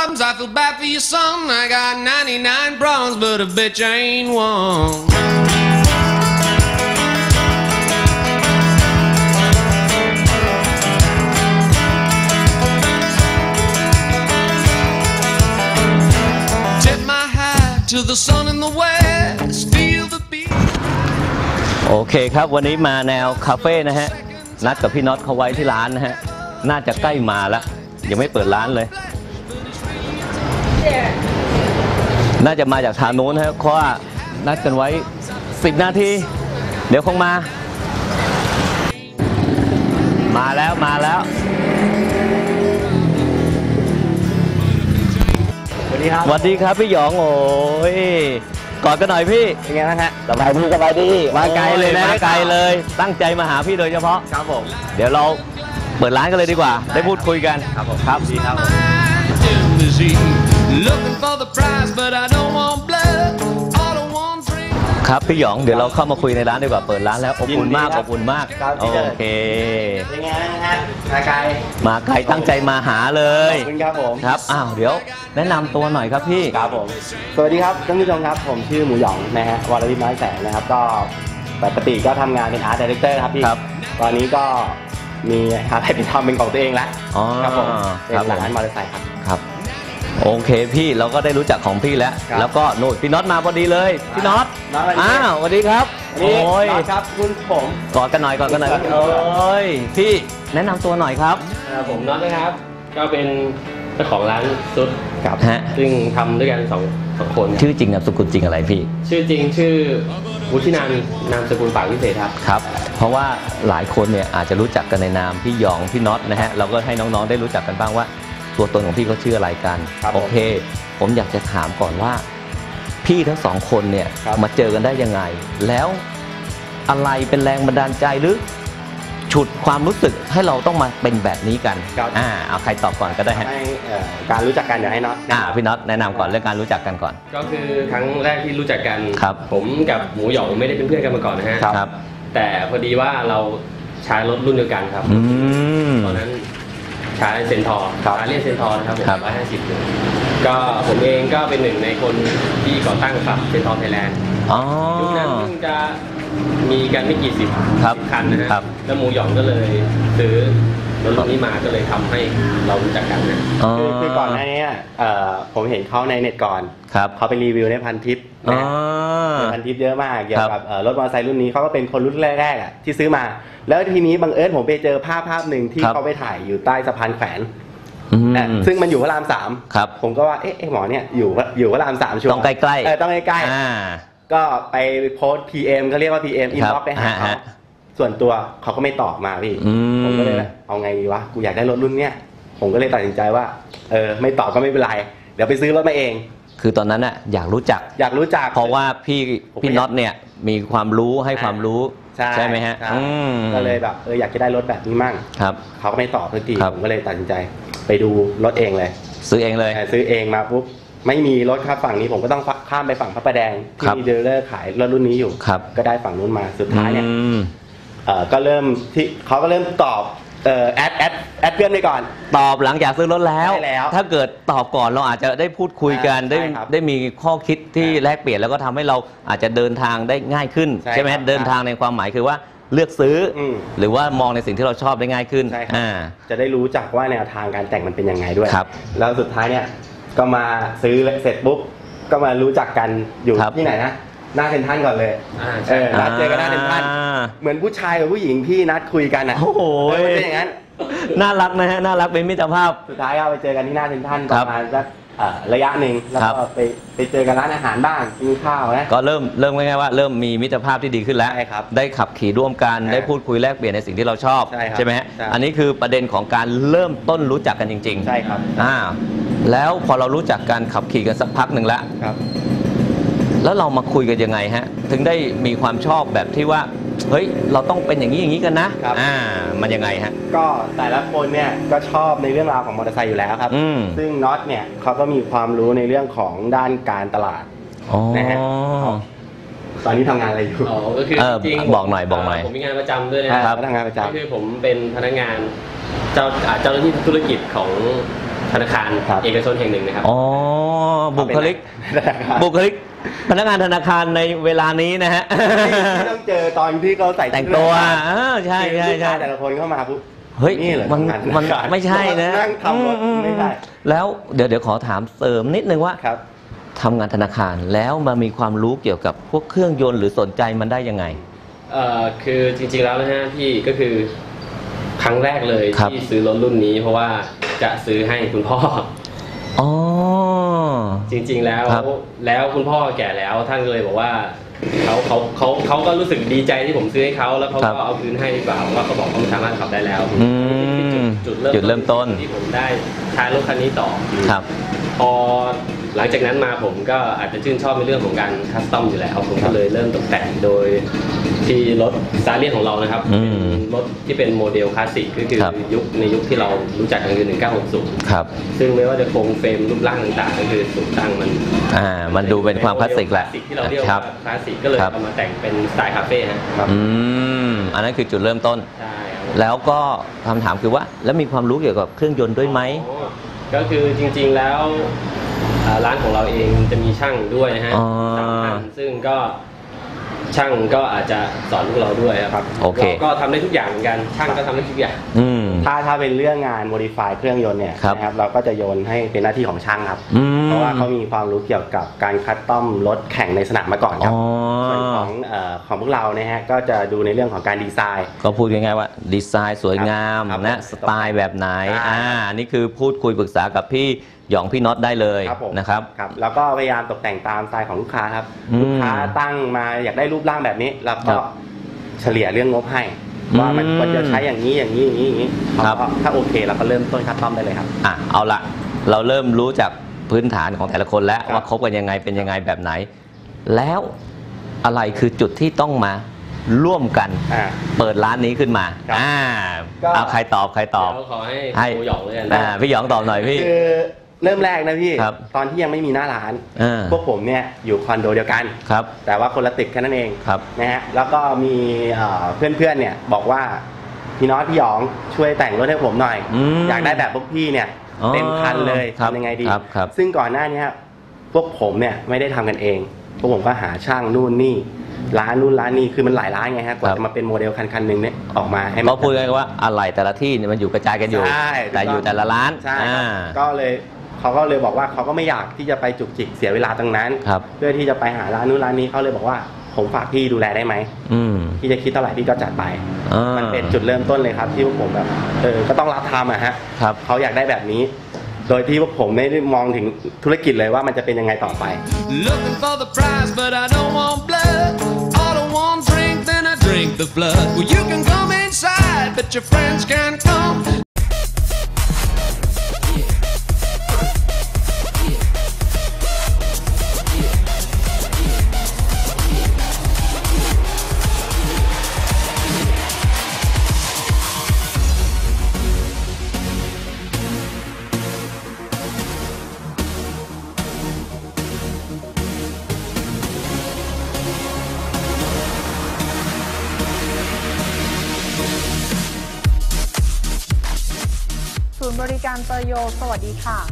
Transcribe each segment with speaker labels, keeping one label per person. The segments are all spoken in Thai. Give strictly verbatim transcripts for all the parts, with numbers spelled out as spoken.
Speaker 1: problems. I feel bad for your son. I got ninety-nine problems, but a bitch ain't one. Tip my hat to the sun in the west. Feel the beat.
Speaker 2: โอเคครับวันนี้มาแนวคาเฟ่นะฮะนัดกับพี่น็อตเขาไว้ที่ร้านนะฮะน่าจะใกล้มาแล้วยังไม่เปิดร้านเลยน่าจะมาจากทางโน้นฮะเพราะว่านัดกันไว้สิบนาทีเดี๋ยวคงมามาแล้วมาแล้ว
Speaker 3: สวัสดีครับ
Speaker 2: สวัสดีครับพี่หยองโอ้ยกอดกันหน่อยพี่
Speaker 3: เป็นไงบ้างฮะสบายดีสบายดี
Speaker 2: มาไกลเลยนะมาไกลเลยตั้งใจมาหาพี่โดยเฉพาะ
Speaker 3: ครับผม
Speaker 2: เดี๋ยวเราเปิดร้านกันเลยดีกว่าได้พูดคุยกัน
Speaker 3: ครับผมครับดีครับ
Speaker 2: ครับพี่หยองเดี๋ยวเราเข้ามาคุยในร้านดีกว่าเปิดร้านแล้วอบอุ่นมากอบอุ่นมากโอเค
Speaker 3: เป็นไงฮะมาไกล
Speaker 2: มาไกลตั้งใจมาหาเลย
Speaker 3: ขอบคุณครับผม
Speaker 2: ครับอ้าวเดี๋ยวแนะนำตัวหน่อยครับพี่
Speaker 3: ครับผมสวัสดีครับท่านผู้ชมครับผมชื่อหมูหยองนะฮะวรวิทย์น้อยแสงนะครับก็ปกติก็ทำงานเป็นอาร์ตดีเรคเตอร์ครับพี่ตอนนี้ก็มีอะไรเป็นทำเป็นของตัวเองแล้วครับผมเป็นร้านมอเตอร์ไซค์ครับ
Speaker 2: ครับโอเคพี่เราก็ได้รู้จักของพี่แล้วแล้วก็โน้ตพี่น็อตมาพอดีเลยพี่น็อตอ้าวสวัสดีครับ
Speaker 3: โอ้ยครับคุณผม
Speaker 2: กอดกันหน่อยกอดกันหน่อยโอ้ยพี่แนะนำตัวหน่อยครับ
Speaker 4: ผมน็อตนะครับก็เป็นเจ้าของร้านซุด
Speaker 2: ครับฮะ
Speaker 4: ซึ่งทำด้วยกันสองสองคน
Speaker 2: ชื่อจริงนามสกุลจริงอะไรพี่
Speaker 4: ชื่อจริงชื่อวุฒินันท์นามสกุลปากวิเศษครับ
Speaker 2: ครับเพราะว่าหลายคนเนี่ยอาจจะรู้จักกันในนามพี่หยองพี่น็อตนะฮะเราก็ให้น้องๆได้รู้จักกันบ้างว่าตัวตนของพี่เขาชื่ออะไรกันโอเคผมอยากจะถามก่อนว่าพี่ทั้งสองคนเนี่ยมาเจอกันได้ยังไงแล้วอะไรเป็นแรงบันดาลใจหรือฉุดความรู้สึกให้เราต้องมาเป็นแบบนี้กันอ่าเอาใครตอบก่อนก็ได้ฮะ
Speaker 3: การรู้จักกันเดี๋ยวให้น็อต
Speaker 2: อ่าพี่น็อตแนะนำก่อนเรื่องการรู้จักกันก่อน
Speaker 4: ก็คือครั้งแรกที่รู้จักกัน
Speaker 2: ครับ
Speaker 4: ผมกับหมูหยองไม่ได้เป็นเพื่อนกันมาก่อนนะฮะ
Speaker 2: ครับ
Speaker 4: แต่พอดีว่าเราใช้รถรุ่นเดียวกันครับตอนนั้นใช้เซนทอร์ใช้เรียกเซนทอร์นะครับผมร้อยห้าสิบก็ผมเองก็เป็นหนึ่งในคนที่ก่อตั้งครับเซนทอร์ไทยแลนด์ยุคนั้นเพิ่งจะมีกันไม่กี่สิบคันนะครับแล้วหมูหยองก็เลยซื้อรถรุ่นนี้มาก็เลยทำให้เรารู้จักกันนะ
Speaker 3: คือก่อนหน้านี้ผมเห็นเขาในเน็ตก่อนเขาไปรีวิวในพันทิปนะพันทิปเยอะมากเกี่ยวกับรถมอเตอร์ไซค์รุ่นนี้เขาก็เป็นคนรุ่นแรกๆที่ซื้อมาแล้วทีนี้บังเอิญผมไปเจอภาพภาพหนึ่งที่เขาไปถ่ายอยู่ใต้สะพานแขวนซึ่งมันอยู่พระรามสามผมก็ว่าเอ๊ะหมอเนี่ยอยู่อยู่พระรามสามชัวร์
Speaker 2: ต้องใกล้ๆ
Speaker 3: เออต้องใกล้ๆก็ไปโพสต์ พี เอ็ม เขาเรียกว่า พี เอ็ม อินบ็อกซ์ไปหาเขาส่วนตัวเขาก็ไม่ตอบมาพี่ผมก็เลยเอาไงดีวะกูอยากได้รถรุ่นเนี้ยผมก็เลยตัดสินใจว่าเออไม่ตอบก็ไม่เป็นไรเดี๋ยวไปซื้อรถมาเอง
Speaker 2: คือตอนนั้นน่ะอยากรู้จัก
Speaker 3: อยากรู้จัก
Speaker 2: เพราะว่าพี่พี่น็อตเนี่ยมีความรู้ให้ความรู้ใช่ไหมฮะ
Speaker 3: ก็เลยแบบเอออยากจะได้รถแบบนี้มั่ง
Speaker 2: ครับ
Speaker 3: เขาก็ไม่ตอบสักทีผมก็เลยตัดสินใจไปดูรถเองเลย
Speaker 2: ซื้อเองเลย
Speaker 3: ซื้อเองมาปุ๊บไม่มีรถครับฝั่งนี้ผมก็ต้องข้ามไปฝั่งพระประแดงที่มีดีลเลอร์ขายรถรุ่นนี้อยู่ก็ได้ฝั่งนู้นมาสุดท้ายเนี่ยก็เริ่มที่เขาก็เริ่มตอบเอ่อแอดแอดแอดเพื่อนไปก่อน
Speaker 2: ตอบหลังจากซื้อรถแล้วถ้าเกิดตอบก่อนเราอาจจะได้พูดคุยกันได้ได้มีข้อคิดที่แลกเปลี่ยนแล้วก็ทำให้เราอาจจะเดินทางได้ง่ายขึ้นใช่ไหมเดินทางในความหมายคือว่าเลือกซื้อหรือว่ามองในสิ่งที่เราชอบได้ง่ายขึ้น
Speaker 3: จะได้รู้จักว่าแนวทางการแต่งมันเป็นยังไงด้วยแล้วสุดท้ายเนี่ยก็มาซื้อเสร็จปุ๊บก็มารู้จักกันอยู่ที่ไหนนะหน้าเซ็นทรัลก่อนเลยเออนัดเจอกันหน้าเซ็นทรัลเหมือนผู้ชายกับผู้หญิงที่นัดคุยกันอ่ะ
Speaker 2: โอ้โห
Speaker 3: เป็นอย่างนั้น
Speaker 2: น่ารักนะฮะน่ารักเป็นมิตรภาพ
Speaker 3: สุดท้ายก็ไปเจอกันที่หน้าเซ็นทรัลประมาณสักระยะหนึ่งแล้วก็ไปไปเจอกันร้านอาหารบ้างกินข้าวนะ
Speaker 2: ก็เริ่มเริ่มง่ายๆว่าเริ่มมีมิตรภาพที่ดีขึ้นแล้วได้ขับขี่ร่วมกันได้พูดคุยแลกเปลี่ยนในสิ่งที่เราชอบใช่ไหมฮะอันนี้คือประเด็นของการเริ่มต้นรู้จักกันจริงๆ
Speaker 3: ใช่ครับ
Speaker 2: อ่าแล้วพอเรารู้จักกันขับขี่กันสักพักหนึ่งแล้วแล้วเรามาคุยกันยังไงฮะถึงได้มีความชอบแบบที่ว่าเฮ้ยเราต้องเป็นอย่างนี้อย่างนี้กันนะอ่ามันยังไงฮะ
Speaker 3: ก็แต่ละคนเนี่ยก็ชอบในเรื่องราวของมอเตอร์ไซค์อยู่แล้วครับซึ่งน็อตเนี่ยเขาก็มีความรู้ในเรื่องของด้านการตลาดนะฮะตอนนี้ทำงานอะไรอยู่
Speaker 4: อ๋อก็คือจริง
Speaker 2: บอกหน่อยบอกหน่อย
Speaker 4: ผมมีงานประจำด้วยนะครับ
Speaker 3: ทำงานประจำ
Speaker 4: ก็คือผมเป็นพนักงานเจ้าเจ้าหน้าที่ธุรกิจของธนาคารเอกชนแห่งหนึ่งนะครับ
Speaker 2: อ๋อบุคลิกบุคลิกพนักงานธนาคารในเวลานี้นะฮะ
Speaker 3: ที่ต้องเจอตอนที่เขาใส่
Speaker 2: แต่งตัวใช่ใช่ใช่
Speaker 3: แต่ละคนเข้ามาปุ๊บ
Speaker 2: เฮ้ยมันมันไม่ใช่นะ
Speaker 3: นั่งทำรถไม่ใช่
Speaker 2: แล้วเดี๋ยวเดี๋ยวขอถามเสริมนิดนึงว่า
Speaker 3: ครับ
Speaker 2: ทำงานธนาคารแล้วมามีความรู้เกี่ยวกับพวกเครื่องยนต์หรือสนใจมันได้ยังไง
Speaker 4: เอ่อคือจริงๆแล้วนะฮะพี่ก็คือครั้งแรกเลยที่ซื้อรถรุ่นนี้เพราะว่าจะซื้อให้คุณพ่อ
Speaker 2: อ๋อ
Speaker 4: จริงๆแล้วแล้วคุณพ่อแก่แล้วท่านก็เลยบอกว่าเขาเขาเขาเขาก็รู้สึกดีใจที่ผมซื้อให้เขาแล้วเขาก็เอาคืนให้ดีกว่าว่าเขาบอกเขาสามารถขับได้แล้ว
Speaker 2: จุดจุดเริ่มต้น
Speaker 4: ที่ผมได้ใช้รถคันนี้ต่อ
Speaker 2: ครับ
Speaker 4: พอหลังจากนั้นมาผมก็อาจจะชื่นชอบในเรื่องของการคัสตอมอยู่แล้วผมก็เลยเริ่มตกแต่งโดยที่รถซาเลียนของเรานะครับรถที่เป็นโมเดลคลาสสิกก็คือยุคในยุคที่เรารู้จักกันคือหนึ่งเก้าหกศูนย์
Speaker 2: ครับ
Speaker 4: ซึ่งไม่ว่าจะโครงเฟรมรูปร่างต่างๆก็คือสูงตั้งมัน
Speaker 2: อ่ามันดูเป็นความคลาสสิกแหละ
Speaker 4: ที่เราเรียกว่าคลาสสิกก็เลยเอามาแต่งเป็นสไตล์คาเฟ่ฮะ
Speaker 2: อืมอันนั้นคือจุดเริ่มต้น
Speaker 4: ใช่
Speaker 2: แล้วก็คำถามคือว่าแล้วมีความรู้เกี่ยวกับเครื่องยนต์ด้วยไหม
Speaker 4: ก็คือจริงๆแล้วร้านของเราเองจะมีช่างด้วยนะฮะซึ่งก็ช่างก็อาจจะสอนพวกเราด้วยครับ
Speaker 2: โอเค
Speaker 4: ก็ทำได้ทุกอย่างเหมือนกันช่างก็ทำได้ทุกอย่าง
Speaker 3: ถ้าถ้าเป็นเรื่องงานโมดิฟายเครื่องยนต์เนี่ยนะครับเราก็จะโยนให้เป็นหน้าที่ของช่างครับเพราะว่าเขามีความรู้เกี่ยวกับการคัสตอมรถแข่งในสนามมาก่อนครับส่วนของของพวกเราเนี่ยฮะก็จะดูในเรื่องของการดีไซน์
Speaker 2: ก็พูดง่ายๆว่าดีไซน์สวยงามนะสไตล์แบบไหนอ่านี่คือพูดคุยปรึกษากับพี่หยองพี่น็อตได้เลยนะครับ
Speaker 3: ครับแล้วก็พยายามตกแต่งตามสไตล์ของลูกค้าครับลูกค้าตั้งมาอยากได้รูปร่างแบบนี้เราก็เฉลี่ยเรื่องงบให้ว่ามันควรจะใช้อย่างนี้อย่างนี้อย่างนี้อย่างนี้ถ้าโอเคเราก็เริ่มต้นคัสตอมได้เลยครับ
Speaker 2: อ่ะเอาละเราเริ่มรู้จากพื้นฐานของแต่ละคนแล้วว่าคบกันยังไงเป็นยังไงแบบไหนแล้วอะไรคือจุดที่ต้องมาร่วมกันเปิดร้านนี้ขึ้นมาอ่าเอาใครตอบใครตอบ
Speaker 4: ขอให้พี่หยองเลย
Speaker 2: นะพี่หยองตอบหน่อยพี่
Speaker 3: คือเริ่มแรกนะพี่ตอนที่ยังไม่มีหน้าร้านพวกผมเนี่ยอยู่คอนโดเดียวกันแต่ว่าคนละตึกแค่นั้นเองนะฮะแล้วก็มีเพื่อนๆเนี่ยบอกว่าพี่น้อยพี่หยองช่วยแต่งรถให้ผมหน่อยอยากได้แบบพวกพี่เนี่ยเต็มคันเลยทำยังไงดีซึ่งก่อนหน้านี้พวกผมเนี่ยไม่ได้ทำกันเองพวกผมก็หาช่างนู่นนี่ร้านนู่นร้านนี้คือมันหลายร้านไงฮะกว่าจะมาเป็นโมเดลคันคันหนึ่งเนี่ยออกมาให้
Speaker 2: เขาพูดง่ายๆว่าอะไรแต่ละที่เนี่ยมันอยู่กระจายกันอยู่แต่อยู่แต่ละร้าน
Speaker 3: ใช่ก็เลยเขาก็เลยบอกว่าเขาก็ไม่อยากที่จะไปจุกจิกเสียเวลาตรงนั้นเพื่อที่จะไปหาร้านนู้นร้านนี้เขาเลยบอกว่าผมฝากพี่ดูแลได้ไหมพี่จะคิดเท่าไหร่พี่ก็จัดไปมันเป็นจุดเริ่มต้นเลยครับที่พวกผมแบบเออก็ต้องรับทำอะฮะเขาอยากได้แบบนี้โดยที่พวกผมไม่ได้มองถึงธุรกิจเลยว่ามันจะเป็นยังไงต่อไป Looking for the prize but I don't want blood All I want drink then I drink the blood Well you can come inside but your friends can't come
Speaker 5: ศูนย์บริการเตโยสวัสดีค่ะ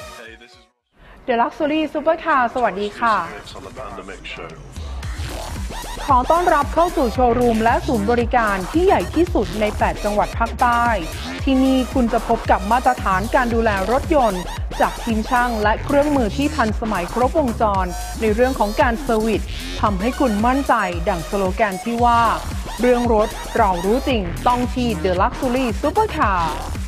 Speaker 5: The Luxury Supercar สวัสดีค่ะขอต้อนรับเข้าสู่โชว์รูมและศูนย์บริการที่ใหญ่ที่สุดใน แปด จังหวัดภาคใต้ ที่นี่คุณจะพบกับมาตรฐานการดูแลรถยนต์จากทีมช่างและเครื่องมือที่ทันสมัยครบวงจรในเรื่องของการเซอร์วิสทำให้คุณมั่นใจดั่งสโลแกนที่ว่าเรื่องรถเรารู้จริงต้องที่ The Luxury Supercar